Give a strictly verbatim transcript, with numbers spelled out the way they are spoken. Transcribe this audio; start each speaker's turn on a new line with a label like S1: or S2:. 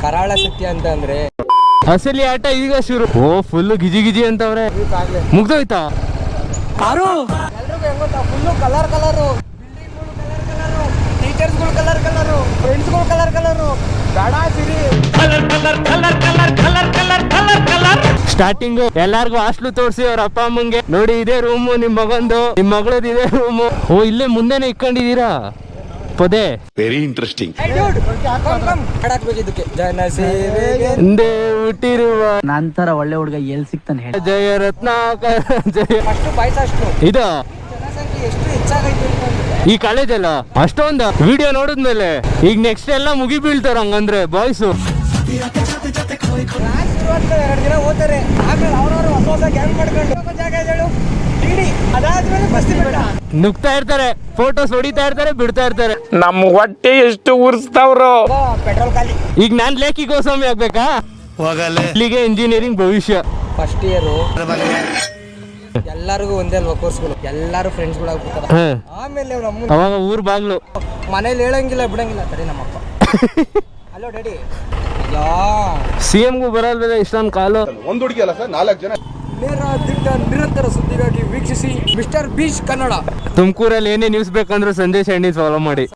S1: ಕರಾಳ ಸತ್ಯ ಅಂತ ಅಂದ್ರೆ
S2: ಅಸಲಿ ಆಟ ಈಗ ಶುರು. ಓ ಫುಲ್ ಗಿಜಿ ಗಿಜಿ ಅಂತವ್ರೆ. ಮುಗ್ದೋಯ್ತಾ?
S1: ಎಲ್ರಿಗೂ ಹೆಂಗ್ ಗೊತ್ತಾ, ಫುಲ್ಲು ಕಲರ್ ಕಲರು, ಬಿಲ್ಡಿಂಗ್ಗಳು ಕಲರ್ ಕಲರು, ಟೀಚರ್ಸ್ಗಳು ಕಲರ್ ಕಲರು, ಫ್ರೆಂಡ್ಸ್ಗಳು ಕಲರ್ ಕಲರು, ಬೇಡ ಸಿರಿ colour colour colour colour colour colour colour colour.
S2: Starting ಎಲ್ಲಾರ್ಗು ಹಾಸ್ಟ್ಲು ತೋರಿಸಿ ಅವ್ರ ಅಪ್ಪ ಅಮ್ಮಂಗೆ, ನೋಡಿ ಇದೇ ರೂಮು ನಿಮ್ ಮಗಂದು, ನಿಮ್ ಮಗಳದ್ದು ಇದೇ ರೂಮು. ಓ ಇಲ್ಲೇ ಮುಂದೆನೆ ಇಟ್ಕೊಂಡಿದೀರಾ ಪೊದೆ.
S3: Very interesting.
S1: ಇದಕ್ಕೆ ಜನ ಸೇವೆಗೆ
S2: ಹಿಂದೆ ಹುಟ್ಟಿರುವ
S4: ನಂತರ ಒಳ್ಳೆ ಹುಡುಗ ಎಲ್ಲಿ ಸಿಗ್ತಾನೆ ಹೇಳಿ.
S2: ಜಯ ರತ್ನಾಕರ ಜಯ.
S1: ಅಷ್ಟು ಬಾಯ್ಸ್ ಅಷ್ಟು
S2: ಇದು
S1: ಜನಸಂಖ್ಯೆ ಎಷ್ಟು ಹೆಚ್ಚಾಗೈತೆ ಅಂತಂದ್ರೆ
S2: ಈ ಕಾಲೇಜ್ ಅಲ್ಲ ಅಷ್ಟೊಂದು ವಿಡಿಯೋ ನೋಡಿದ್ಮೇಲೆ ಈಗ ನೆಕ್ಸ್ಟ್ ಎಲ್ಲ ಮುಗಿ ಬೀಳ್ತಾರ ಹಂಗಂದ್ರೆ ಬಾಯ್ಸು.
S1: ಕ್ಲಾಸ್ ಶುರುವಾಗ್ತದೆ, ಎರಡು ದಿನ ಓದ್ತಾರೆ, ಆಮೇಲೆ ಅವ್ರವ್ರು ಹೊಸ ಹೊಸ ಗ್ಯಾಂಗ್ ಮಾಡ್ಕೊಂಡು ಜಾಗ ಹೇಳು ಇಡಿ, ಅದಾದ್ಮೇಲೆ ಬಸ್ತಿ ಬೇಡ
S2: ನುಗ್ತಾ ಇರ್ತಾರೆ, ಫೋಟೋಸ್ ಹೊಡಿತಾ ಇರ್ತಾರೆ, ಬಿಡ್ತಾ ಇರ್ತಾರೆ.
S5: ನಮ್ ಹೊಟ್ಟೆ ಎಷ್ಟು ಉರ್ಸ್ತಾವ್ರು.
S1: ಪೆಟ್ರೋಲ್ ಖಾಲಿ.
S2: ಈಗ ನಾನ್ ಲೇಖಿ ಗೋಸ್ವಾಮಿ ಆಗ್ಬೇಕಾ? ಇಲ್ಲಿಗೆ ಇಂಜಿನಿಯರಿಂಗ್ ಭವಿಷ್ಯ.
S1: ಫಸ್ಟ್ ಇಯರು ಎಲ್ಲರಿಗೂ ಒಂದೇ ಅಲ್ವಾ ಕೋರ್ಸ್ಗಳು, ಎಲ್ಲರೂ ಫ್ರೆಂಡ್ಸ್ಗಳು ಆಗ್ಬಿಡ್ತಾರೆ.
S2: ಹ.
S1: ಆಮೇಲೆ ನಮ್ಮ
S2: ಅವಾಗ ಊರ್ ಬಾಗ್ಲು
S1: ಮನೇಲಿ ಹೇಳಂಗಿಲ್ಲ ಬಿಡಂಗಿಲ್ಲ. ಸರಿ ನಮ್ಮಪ್ಪ ಹಲೋ ಡ್ಯಾಡಿ ಯಾ
S2: ಸಿ ಎಂಗೂ ಬರಲ್ವಲ್ಲ ಇಷ್ಟೊಂದು ಕಾಲು.
S3: ಒಂದ್ ಹುಡುಗಿ ಅಲ್ಲ ಸರ್, ನಾಲ್ಕು ಜನ.
S1: ನೇರ ದಿಟ್ಟ ನಿರಂತರ ಸುದ್ದಿಗಾಗಿ ವೀಕ್ಷಿಸಿ ಮಿಸ್ಟರ್ ಬೀಚ್ ಕನ್ನಡ.
S2: ತುಮಕೂರಲ್ಲಿ ಏನೇ ನ್ಯೂಸ್ ಬೇಕಂದ್ರೆ ಸಂದೇಶ ಎಣ್ಣಿ ಫಾಲೋ ಮಾಡಿ.